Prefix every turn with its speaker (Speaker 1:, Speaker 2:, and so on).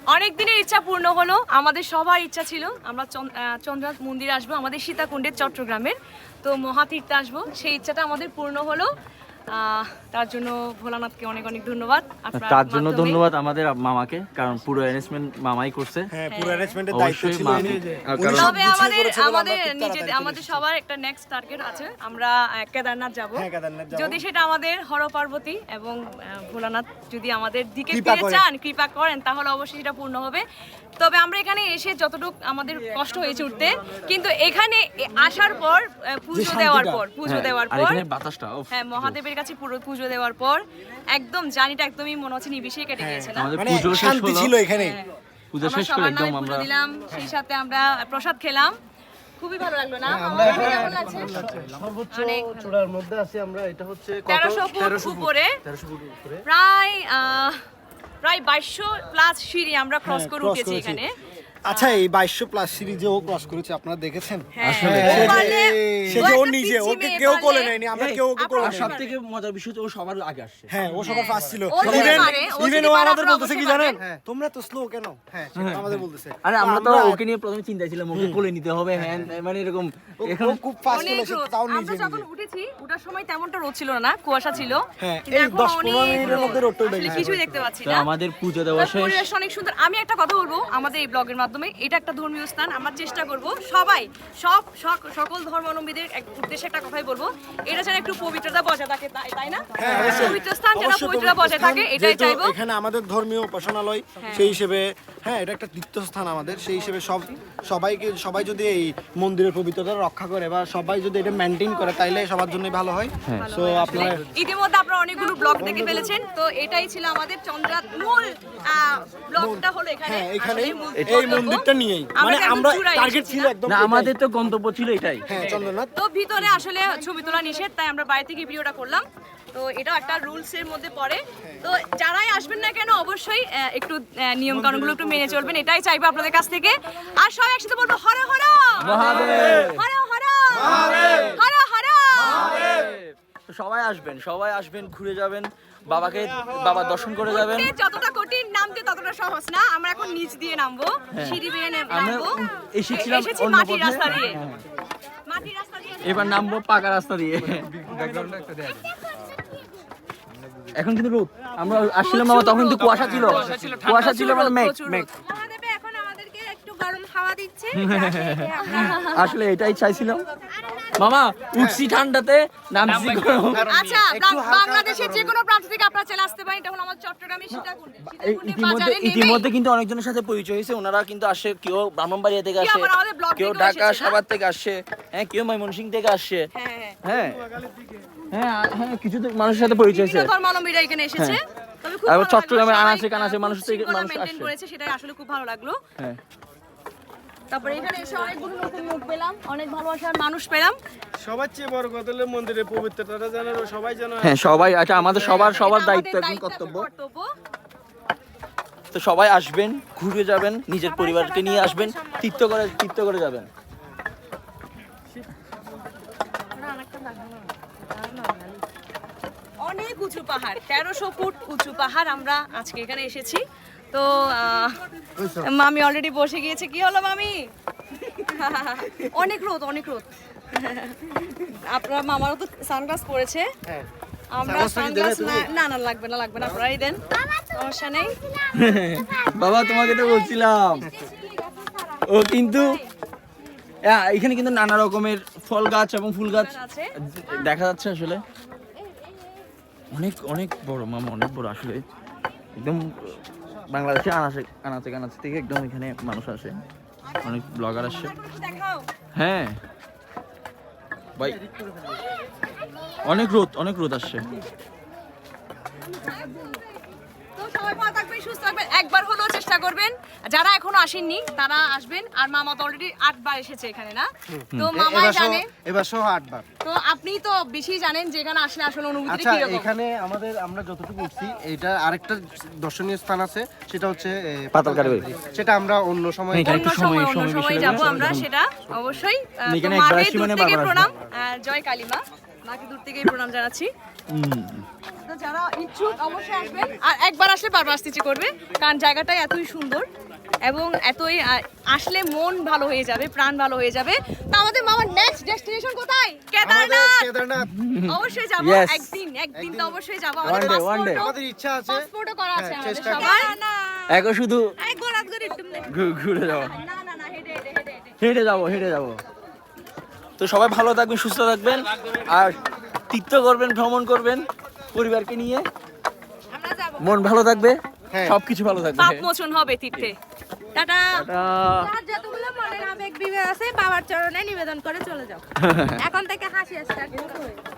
Speaker 1: অনেক দিনের ইচ্ছা পূর্ণ হলো। আমাদের সবার ইচ্ছা ছিল আমরা চন্দ্রনাথ মন্দিরে আসবো, আমাদের সীতাকুণ্ডের চট্টগ্রামের। তো মহাতীর্থে আসবো, সেই ইচ্ছাটা আমাদের পূর্ণ হলো। তার জন্য ভোলানাথকে অনেক অনেক ধন্যবাদ।
Speaker 2: তার জন্য ধন্যবাদ আমাদের মামাকে, কারণ পুরো অ্যারেঞ্জমেন্ট মামাই করছে।
Speaker 3: হ্যাঁ, পুরো অ্যারেঞ্জমেন্টের দায়িত্ব ছিল উনি।
Speaker 1: তবে আমাদের সবার একটা নেক্সট টার্গেট আছে, আমরা কেদারনাথ যাব। যদি সেটা আমাদের হর পার্বতী এবং ভোলানাথ যদি আমাদের দিকে ফিরে চান, কৃপা করেন, তাহলে অবশ্যই সেটা পূর্ণ হবে। তবে আমরা এখানে এসে যতটুকু আমাদের কষ্ট হয়েছে উঠতে, কিন্তু এখানে আসার পর পুজো দেওয়ার পর হ্যাঁ, মহাদেবের কাছে পুরো পুজো দেওয়ার পর একদম জার্নিটা একদমই মনে হচ্ছে নিবিষে কেটে গিয়েছে না?
Speaker 3: মানে শান্তি ছিল এখানে।
Speaker 2: পূজা শেষ করে একদম আমরা
Speaker 1: দিলাম, সেই সাথে আমরা প্রসাদ খেলাম, খুবই ভালো লাগলো না? কেমন লাগছে?
Speaker 4: সর্বোচ্চ চূড়ার মধ্যে আছি আমরা। এটা হচ্ছে
Speaker 1: 1300 ফুট উপরে, প্রায় 2200 প্লাস সিঁড়ি আমরা ক্রস করে উঠেছি এখানে।
Speaker 3: আচ্ছা, এই 2200 প্লাস সিরিজে ও ক্রস করেছে, আপনারা দেখেছেন?
Speaker 2: আসলে
Speaker 3: সে যে ও নিজে, ওকে কেউ কোলে নেয়নি, আমরা কেউ ওকে কোলে নেয়নি।
Speaker 2: সবথেকে মজার বিষয় ও সবার আগে আসছে।
Speaker 3: হ্যাঁ, ও সবার ফার্স্ট ছিল।
Speaker 1: ও
Speaker 3: ইভেন ও আমাদের বলতেছে কি জানেন, তোমরা তো স্লো কেন? হ্যাঁ, সেটা আমাদের বলতেছে।
Speaker 2: আরে আমরা তো ওকে নিয়ে প্রথমে চিন্তায় ছিলাম, ওকে কোলে নিতে হবে, হ্যাঁ মানে এরকম।
Speaker 3: ও খুব ফাস্ট
Speaker 1: অনেক
Speaker 3: চলেছে,
Speaker 1: রোদ।
Speaker 3: তাও
Speaker 1: আমরা
Speaker 3: নিজে
Speaker 1: যখন উঠেছি, ওঠার সময় তেমনটা রোদ ছিল না, কুয়াশা ছিল।
Speaker 3: হ্যাঁ,
Speaker 1: কিন্তু
Speaker 3: এই
Speaker 1: এখন
Speaker 3: 10-15
Speaker 1: অনেক
Speaker 3: মিনিটের মধ্যে রোদটা উঠে
Speaker 1: আসলে
Speaker 3: গেছে।
Speaker 1: কিছুই দেখতে পাচ্ছি
Speaker 2: তো
Speaker 1: না।
Speaker 2: আমাদের পুজো দেওয়া শেষ।
Speaker 1: পরিবেশ অনেক সুন্দর। আমি একটা কথা বলবো আমাদের এই ব্লগের মাধ্যমে, এটা একটা ধর্মীয় স্থান। আমরা চেষ্টা করব সবাই সকল ধর্মাবলম্বীদের উদ্দেশ্যে একটা কথাই বলবো, এটা যেন একটু পবিত্রতা বজায় থাকে, তাই না? পবিত্র স্থান যেন পবিত্রতা বজায় থাকে, এটাই চাইবো।
Speaker 3: এখানে আমাদের ধর্মীয় উপাসনালয়, সেই হিসেবে হ্যাঁ, এটা একটা তীর্থস্থান আমাদের। সেই হিসেবে সবাই যদি এই মন্দিরের পবিত্রতা রক্ষা করে বা সবাই যদি এটা মেনটেন করে, তাইলে সবার জন্যই ভালো হয়। সো আপনারা
Speaker 1: ইতিমধ্যে আপনারা অনেকগুলো ব্লগ দেখে ফেলেছেন, তো এটাই ছিল আমাদের চন্দ্রনাথ মূল ব্লগটা হলো এখানে।
Speaker 3: হ্যাঁ, এখানে
Speaker 1: আসলে মূল
Speaker 3: এই
Speaker 1: গন্তব্য।
Speaker 3: মন্দিরটা নিয়েই, মানে
Speaker 1: একদম
Speaker 3: আমরা
Speaker 1: চূড়ায়
Speaker 3: টার্গেট
Speaker 1: এসেছি
Speaker 3: ছিল
Speaker 1: না?
Speaker 3: একদম
Speaker 2: না, আমাদের তো গন্তব্য ছিল এটাই।
Speaker 3: হ্যাঁ, চন্দ্রনাথ।
Speaker 1: তো ভিতরে আসলে ছবি তোলা নিষেধ, তাই আমরা বাইরে থেকে ভিডিওটা করলাম। তো এটাও একটা রুলস এর মধ্যে পড়ে। তো যারাই আসবেন না কেন, অবশ্যই একটু নিয়ম কানুনগুলো একটু মেনে চলবেন, এটাই চাইবো আপনাদের কাছ থেকে। আর সবাই একসাথে বলবো হর হর
Speaker 2: মহাদেব,
Speaker 1: হর হর হর হর।
Speaker 2: তো সবাই আসবেন, ঘুরে যাবেন, বাবা দর্শন করে যাবেন।
Speaker 1: উঠতে যতটা কঠিন, নামতে ততটা সহজ না। আমরা এখন নিচ দিয়ে নামবো, সিঁড়ি বেয়ে নামবো।
Speaker 2: এসেছিলাম
Speaker 1: এসেছি
Speaker 2: অন্য
Speaker 1: মাটির
Speaker 2: পথে।
Speaker 1: রাস্তা দিয়ে, মাটির রাস্তা দিয়ে।
Speaker 2: এবার নামবো পাকা রাস্তা দিয়ে। এখন কিন্তু রোদ, আমরা আসছিলাম বাবা, তখন কিন্তু কুয়াশা ছিল মানে মেঘ।
Speaker 5: মহাদেবে এখন আমাদেরকে একটু গরম হাওয়া দিচ্ছে।
Speaker 2: আসলে এটাই চাইছিলাম মামা, উঠছি ঠান্ডাতে, নামছি গরম।
Speaker 1: আচ্ছা, বাংলাদেশের যে কোনো প্রান্ত থেকে আপনারা চলে আসতে পারেন। এটা হলো আমাদের চট্টগ্রামের সীতাকুণ্ডে
Speaker 2: ইতিমধ্যে কিন্তু অনেকজনের সাথে পরিচয় হয়েছে। ওনারা কিন্তু আসে, কেউ ব্রাহ্মণবাড়িয়া থেকে আসে,
Speaker 1: আবার আমাদের ব্লগ
Speaker 2: কেউ
Speaker 1: থেকেও
Speaker 2: ঢাকা
Speaker 1: এসেছে, না?
Speaker 2: সাভার থেকে আসছে, হ্যাঁ কেউ ময়মনসিংহ থেকে আসছে।
Speaker 1: হ্যাঁ,
Speaker 2: হ্যাঁ কিছু তো মানুষের সাথে পরিচয় হয়েছে।
Speaker 1: বিভিন্ন ধর্মাবলম্বীরা এখানে এসেছে। তবে খুব
Speaker 2: আর
Speaker 1: ভালো লাগলো,
Speaker 2: চট্টগ্রামে
Speaker 1: সবাই,
Speaker 2: আনাচে কানাচে মানুষ থেকে
Speaker 1: শৃঙ্খলা
Speaker 2: মানুষ
Speaker 1: maintain
Speaker 2: আসছে।
Speaker 1: করেছে, সেটাই আসলে খুব ভালো লাগলো।
Speaker 2: হ্যাঁ,
Speaker 1: তারপরে এখানে এসে অনেকগুলো নতুন মুখ পেলাম, অনেক ভালোবাসার মানুষ পেলাম।
Speaker 4: সবার চেয়ে বড় কথা হলো মন্দিরের পবিত্রতাটা যেন সবাই যেন
Speaker 2: হ্যাঁ সবাই, আচ্ছা আমাদের সবার
Speaker 1: এটা আমাদের
Speaker 2: দায়িত্ব এবং
Speaker 1: দায়িত্ব,
Speaker 2: কর্তব্য।
Speaker 1: কর্তব্য।
Speaker 2: তো সবাই আসবেন, ঘুরে যাবেন, নিজের পরিবারকে নিয়ে আসবেন, তীর্থ করে যাবেন।
Speaker 1: অনেক উঁচু পাহাড়, 1300 ফুট উঁচু পাহাড়। আমরা আজকে এখানে এসেছি। তো মামি অলরেডি বসে গিয়েছে। কি হলো মামি? অনেক রোদ। আপনার মামারও তো সানগ্লাস পরেছে। আমরা সানগ্লাস না লাগবে না, আপনারাই দেন, সমস্যা নেই।
Speaker 2: বাবা তোমাকে তো বলছিলাম, ও কিন্তু এখানে কিন্তু নানা রকমের ফল গাছ এবং ফুল গাছ
Speaker 1: আছে।
Speaker 2: দেখা যাচ্ছে। আসলে অনেক বড় মামা, অনেক বড় আসলে। একদম বাংলাদেশে আনাচে কানাচে থেকে একদম এখানে মানুষ আসে, অনেক ব্লগার আসে।
Speaker 1: দেখাও।
Speaker 2: হ্যাঁ ভাই, অনেক রোদ আসছে।
Speaker 1: তো সবাই ভালো থাকবেন, সুস্থ থাকবেন। একবার হলেও চেষ্টা করবেন, যারা এখনো আসেননি তারা আসবেন। আর মামা তো অলরেডি 8 বার এসেছে এখানে, না? তো মামাই জানে,
Speaker 4: এবার সহ 8 বার।
Speaker 1: তো আপনি তো বেশি জানেন যে এখানে আসলে আসলে অনুভূতি
Speaker 4: আচ্ছা,
Speaker 1: কি রকম।
Speaker 4: এখানে আমরা যতটুকু উঠছি, এটা আরেকটা দর্শনীয় স্থান আছে, সেটা হচ্ছে
Speaker 2: পাতালকারী বাড়ি।
Speaker 4: সেটা আমরা অন্য সময়
Speaker 1: অন্য সময় যাবো আমরা, সেটা অবশ্যই।
Speaker 2: এখানে
Speaker 1: তো
Speaker 2: একবার
Speaker 1: মাকে
Speaker 2: আসি
Speaker 1: দূর
Speaker 2: মানে
Speaker 1: থেকে
Speaker 2: বারবার আসবো।
Speaker 1: প্রণাম, জয় কালী মা, মাকে দূর থেকেই প্রণাম জানাচ্ছি। তো যারা ইচ্ছুক অবশ্যই আসবেন আর একবার আসলে বারবার আসতে ইচ্ছে করবে কারণ জায়গাটাই এতই সুন্দর এবং এতই আসলে মন ভালো হয়ে যাবে, প্রাণ ভালো হয়ে যাবে। তো আমাদের মামার নেক্সট ডেস্টিনেশন কোথায়? কেদারনাথ।
Speaker 4: কেদারনাথ
Speaker 1: অবশ্যই যাব
Speaker 2: Yes.
Speaker 1: একদিন তো অবশ্যই যাব।
Speaker 2: One day, one day.
Speaker 4: আমাদের ইচ্ছা আছে
Speaker 1: পাসপোর্টও করা আছে আমাদের
Speaker 4: চেষ্টা
Speaker 1: সবার।
Speaker 2: এখন শুধু
Speaker 5: এই গোলাত গরি একটু নে।
Speaker 2: ঘুরে যাওয়া,
Speaker 1: না হেঁটে
Speaker 2: হেঁটে যাবো। তো সবাই ভালো থাকবেন, সুস্থ থাকবেন আর তীর্থ করবেন, ভ্রমণ করবেন পরিবারকে নিয়ে।
Speaker 5: আমরা যাব।
Speaker 2: মন ভালো থাকবে,
Speaker 4: হ্যাঁ।
Speaker 2: সবকিছু ভালো থাকবে।
Speaker 1: পাপ মোচন হবে তীর্থে। টাটা।
Speaker 2: টাটা।
Speaker 5: আর যতগুলো মনের আবেগ বিবেক আছে বাবার চরণে নিবেদন করে চলে যাও। এখন থেকে হাসি আসছে।